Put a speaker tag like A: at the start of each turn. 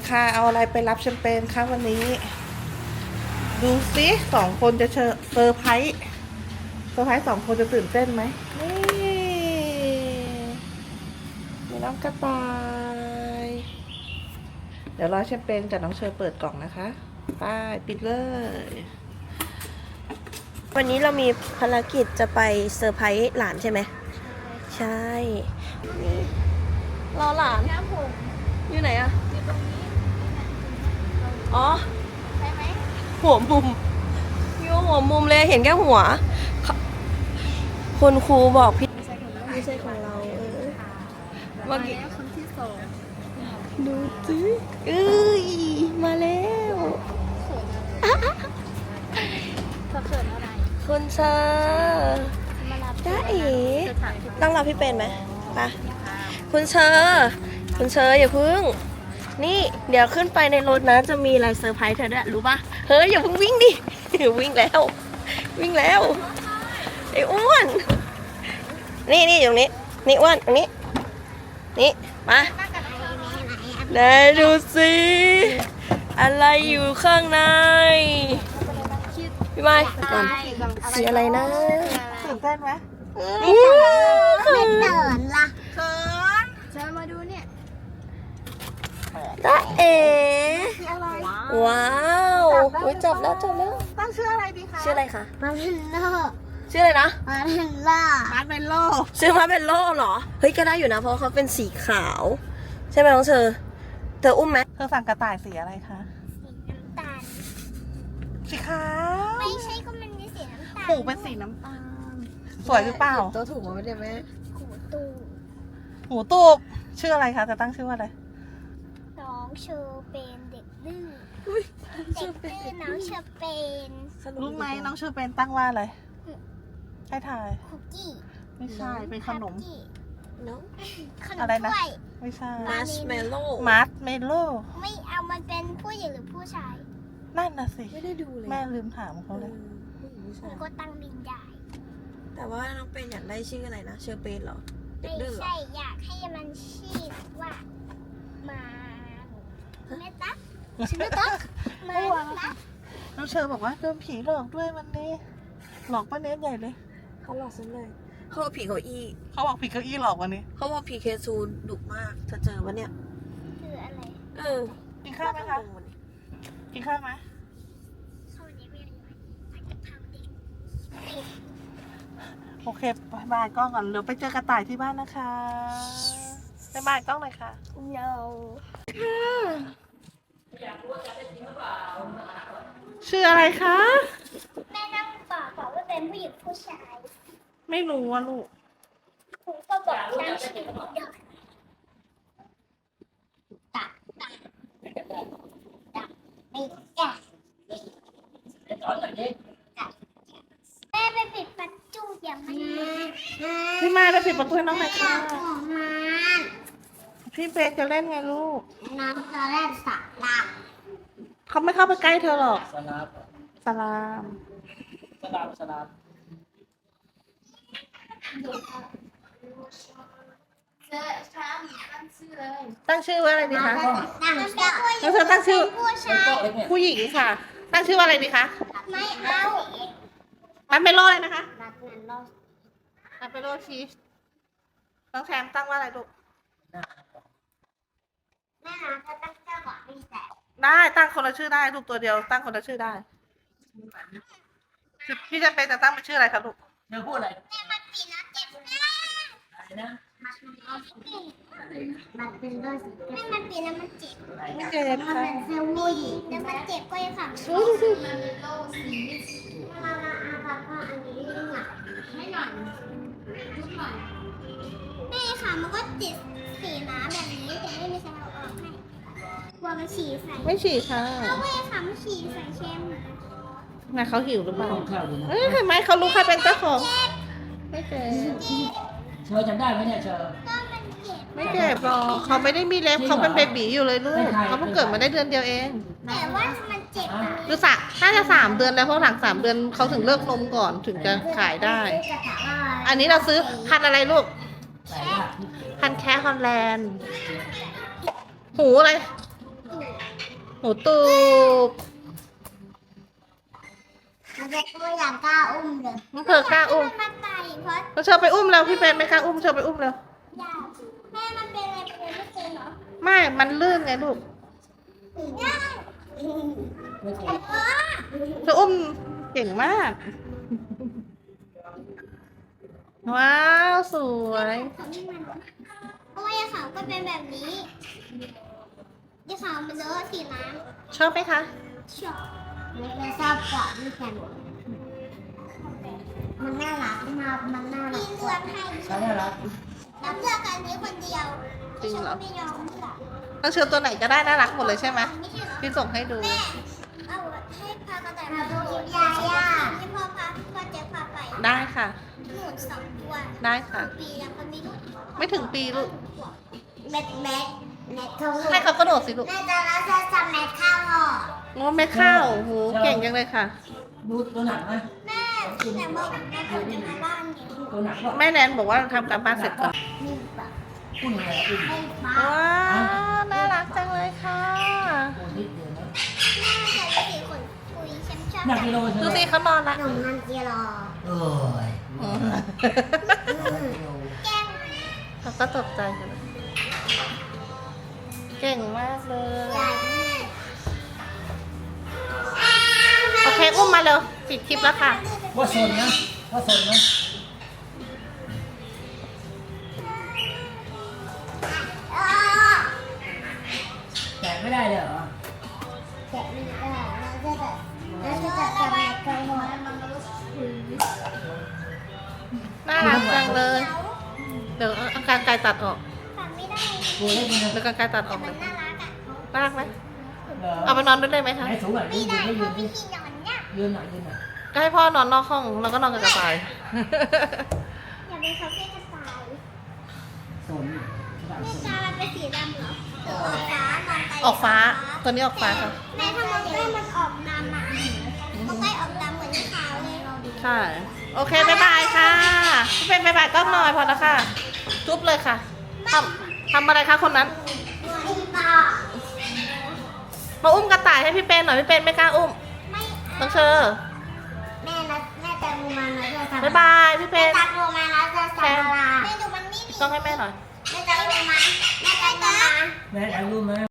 A: ค่ะเอาอะไรไปรับแชมเปญคะวันนี้ ดูสิ2 คนจะเซอร์ไพรส์2 คนจะตื่นเต้นไหมนี่มีน้องกระต่ายเดี๋ยวรอแชมเปญกับน้องเชอเปิดกล่องนะคะไปปิดเลย
B: วันนี้เรามีภารกิจจะไปเซอร์ไพรส์หลานใช่ไหมใช่นี่รอหลานอยู่ไหนอะอ๋อหัวมุมอยู่หัวมุมเลยเห็นแค่หัวคุณครูบอกพี่ไม่ใช่ของเราเมื่อกี้คนที่สองดูสิมาแล้วคุณเชอร์จ้าเอ๋ต้องรับพี่เป็นไหมไปคุณเชอร์อย่าพึ่งนี่เดี๋ยวขึ้นไปในรถนะจะมีอะไรเซอร์ไพรส์เธอด้วยรู้ปะเฮ้ยอย่าเพิ่งวิ่งดิวิ่งแล้วไอ้อ้วนนี่อยู่ตรงนี้นี่อ้วนตรงนี้นี่มาไหนดูสิอะไรอยู่ข้างในพี่ไม้ก่อนสีอะไรนะ
A: ตื่นเต้นไหม
B: ไม่เตือนล่ะ
A: เขิน
C: จะมาดูเนี่ย
B: จ้าเอ๋
A: อะไร
B: ว้าวอุ๊ยจับแล้ว
A: ตั้งชื่ออะไรดีคะ
B: ชื่ออะไรคะ
C: มาเทนเลอร์
B: ชื่ออะไรนะ
C: มาเทนเลอร์
A: มาร์ชเมลโล่
B: ชื่อมาเป็นโล่เหรอเฮ้ยก็ได้อยู่นะเพราะเขาเป็นสีขาวใช่ไหมน้องเธออุ้มไหม
A: เธอสั่งกระต่ายสีอะไรคะ
C: สีน้ำตาล
A: สีขาว
C: ไม่ใช่ก็มันมีสีน้ำตาล
A: หูเป็นสีน้ำตาลสวยหรือเปล่า
B: ตัวถูกมาไม่ได้ไหม
C: หูตู
A: หูตูบชื่ออะไรคะจะตั้งชื่อว่าอะไร
C: น้องเชอเป็นเด็กดื้อเด็กดื้อน้องเชอเป็น
A: รู้ไหมน้องชื่อเป็นตั้งว่าอะไรให้ทาย
C: คุกกี้
A: ไม่ใช่เป็นขนม
C: คุกกี้
B: น้อง
C: ขนม
A: อะไรนะ
C: ถ้วย
A: ไม่ใช่
B: มาร์ชเมลโล่
A: มาร์ชเมลโล่
C: ไม่เอามันเป็นผู้หญิงหรือผู้ชาย
A: นั่นน่ะสิ
B: ไม่ได้ดูเลย
A: แม่ลืมถามเขาเลย
C: มันก็ตั้งบินได้
B: แต่ว่าน้องเป็นอยากได้ชื่ออะไรนะเชอร์เปนเหรอเด็ก
C: ไม่
B: ดื้อเหรอ
C: ใช่อยากให้มันชื่อว่ามาเมตัก
B: ชื่อไม่ตั๊ก
C: มาตัก
A: น้องเชอบอกว่าโดนผีหลอกด้วยวันนี้หลอกป้าเนสใหญ่เลย
B: เขาหลอกฉันเลยเขาบอกผีเก้าอี้
A: เขาบอกผีเก้าอี้หลอกวันนี้
B: เขาบอกผีเคซูนดุมากเธอเจอปะเนี่ย
C: คืออะไร
A: กินข้าวไหมคะกินข้าวไหม
C: เขาเรียกว่าอะไรผัดกะเพราเด็ก
A: โอเคบายบายกล้องก่อนเดี๋ยวไปเจอกระต่ายที่บ้านนะคะบายบายกล้องหน่อยค่ะ
C: no
A: ชื่ออะไรคะ
C: แม่นั่งบอกว่าเป็นผู้หญิงผู้ชาย
A: ไม่รู้ว่าลูก
C: คุณก็บอกตั้งชื่อเด็กตักไม่แก่แม่ไปปิดประตูอย่ามา
A: พี่มาไปปิดประตูให้น้องหน่อยค่ะ
C: ของมัน
A: พี่เบสจะเล่นไงลูก
C: น้องจะเล่นสระน้
A: เขาไม่เข้าไปใกล้เธอหรอก
D: สลาบ
A: สลาม
D: สลาบ
A: ตั้งชื่อว่าอะไรดีคะ
C: ำมันเป็นผู้หญิ
A: แล้ว
C: ง
A: เธอตั้งชื่อ
C: ผู้ชาย
D: เล็กเนี่ย
A: ผู้หญิงค่ะ ตั้งชื่อว่าอะไรดีคะ
C: ไม่เอา
A: มันเป็นโลเลยนะคะ
C: รักนั้นเรา
A: มันเป็นโลชีสน้องแชมป์ตั้งว่าอะไรลูก
C: แม่นะจะตั้งเจ้าบอกไม่แต่
A: ได้ตั้งคนละชื่อได้ลูกตัวเดียวตั้งคนละชื่อได้พี่จะเป็นจะตั้งเป็นชื่ออะไรคะลูก
D: เธอพูดอะไร
C: แม่มันปีนะเจ็บแม่
D: อะไรนะ
C: มันเป็นเรื่องแม่มันปีนะมันเจ็บ
A: ไม่เจ็บค่ะ
C: มันเซลล์ผู้หญิงแล้วมันเจ็บก็ยังฝังมันเป็นโรคสีมาอาบะอันนี้หนักไม่หน่อยแม่ค่ะมันก็ติดสีน้ำแบบนี้แต่ไม่มีใครเอาออกให้กลัวมันฉี่ใส่
A: ไม่ฉี่ค่ะ
C: แล้วแม่ค่ะมันฉี่ใส่เชม
A: นะเขาหิวหรือเปล่า
D: ข้าวดูนะ
A: เห็นไหมเขารู้ใครเป็นเจ้าของไม่เจ็บ
D: เชอจำได้ไหมเนี่ยเชอ
C: ก็มันเจ็บ
A: ไม่เจ็บหรอกเขาไม่ได้มีเล็บเขาเป็นเบบีอยู่เลยลูกเขาเพิ่งเกิดมาได้เดือนเดียวเอง
C: แต่ว่ามันเจ็บอะ
A: คือน่าจะ3 เดือนแล้วเพราะหลัง3 เดือนเขาถึงเลิกนมก่อนถึงจะขายได้ อันนี้เราซื้อพันธุ์อะไรลูก
D: ใส่ยาก
A: พันธุ์แคะฮอลแลนด์หูอะไรหนูตูบ
C: มันจะตัวอย่างกล้าอุ้มเลย
A: น้องเธอกล้าอุ้ม
C: มันไปเพราะ
A: น้องเชอไปอุ้มแล้วพี่เป็นไม่กล้าอุ้มเชอไปอุ้มแล้ว
C: อยากแม่มันเป็นอะไรเป็นไม่เป็นเหรอ
A: ไม่ มันลื่นไงลูก
C: ได้
D: ไม่เคย
A: เธออุ้มเก่งมาก ว้าว สวย
C: เพราะว่ายาขาวก็เป็นแบบนี้ยาขาวมันเลอะสีน้
A: ชอบไหมคะ
C: ำชอบไม่ชอบกว่าไม่แข็งมันน่ารักมันน่ารักพี่เลือกให้
D: ใช่น่ารัก
C: แล้วเลือกอันนี้คนเดียว
A: จริงเหรอ
C: ไม่ยอมเลือก
A: น้องเชอตัวไหนก็ได้น่ารักหมดเลยใช่ไหม
C: ไม่ใช่เหรอ
A: พี่ส่งให้ดู
C: แม่เอาให้พากระต่ายมาดูยาที่พ่อเจ๊พาไป
A: ได้ค่ะ
C: หนูสองตัว
A: ได้ค่ะ
C: ปีแล้วก็ไม่รู้
A: ไม่ถึงปีลูก
C: เม็ดเข้า
A: ให้เขากระโดดสิลูก
C: แม่จะแล้วจะจำเม็ดเข้าห่อ
A: โอ้ไม่เข้าโอ้โหเก่งจังเลยค่ะ
D: ดูหนังไหม
C: แม่แต่บอกแม่ผมจะมาบ้านเนี่ย
D: ดูหนังก็
A: แม่แนนบอกว่าทำการบ้านเสร็จก่อน
C: มีแบบ
D: พูดยังไงพูด
C: ให้ป้า
A: ว้าวน่ารักจังเลยค่ะ
D: พูดนิดเดียวนะ
C: แม่จะสีขนปุยฉันชอบ
D: หนักกิโลเธ
A: ดู
D: อ
A: สิเขานอนละ
C: หนุ่มนันเจียรอ
D: เอ้ย
A: อืม
C: แก้ม
A: เขาก็ตกใจกันเก่งมากเลย
C: ใหญ่
A: โอเค อุ้มมาเร็วปิดคลิปแล้วค่ะ
D: ว่าสนนะว่าสนนะแกะไม่ได้เลยเหรอ
C: แกะไม่ได้เราจะจับเม็ดเข้าห่อ
A: น่ารักจังเลย เดี๋ยวเอาการไกลตัดออก
C: ฟังไม่ได้
D: กูเล่นมัน
A: เดี๋ยวการไกลตัดออก
C: มั
A: เล
C: น
A: ย
C: น่ารักอ่ะ
A: น่ารักไหม
D: เหรอ
A: เอาไปนอนด้วยได้ไหมคะ
D: ไหนสูงหน่อย
C: ไม่
D: ยืน
C: ได้
D: ไม่
C: เพ
D: ยื
C: ราะ
D: น
C: พี่กินอย่างเนี้ย
D: ยืนหน่อยยืนหน่อย
A: ก็ให้พ่อนอนนอกห้องแล้วก็นอนกับกระต่าย
C: อย่าเป็นคาเฟ่กระต่าย
D: สน
C: นี่ตามันเป็นสีดำเหรอหรือออกฟ้ามองไป
A: ออกฟ้า ตัวนี้ออกฟ้าค่ะ
C: แม่ถ้ามองใกล้มันออกดำอ่ะมองใกล้ออกดำเหมือนที่ขาวเลย
A: ใช่ โอเค บ๊ายบายค่ะ พี่เป็นบ๊ายบายก็หน่อยพอแล้วค่ะ จุ๊บเลยค่ะทำอะไรคะคนนั้น
C: อุ้มตา
A: มาอุ้มกระต่ายให้พี่เป็นหน่อย พี่เป็นไม่กล้าอุ้ม
C: ไม่
A: ต้องเชอ
C: แม่จะงูมันแล้วจะทำ
A: บ๊ายบายพี่เป็
C: แม่
A: น
C: จะงูมันแล้วจะทำอะไรแม่ดูมันนี่
A: ต้องให้แม่หน่อย
C: แม่จะงูมันแม่จะงูมัน
D: แม่ถ่ายรูปไหม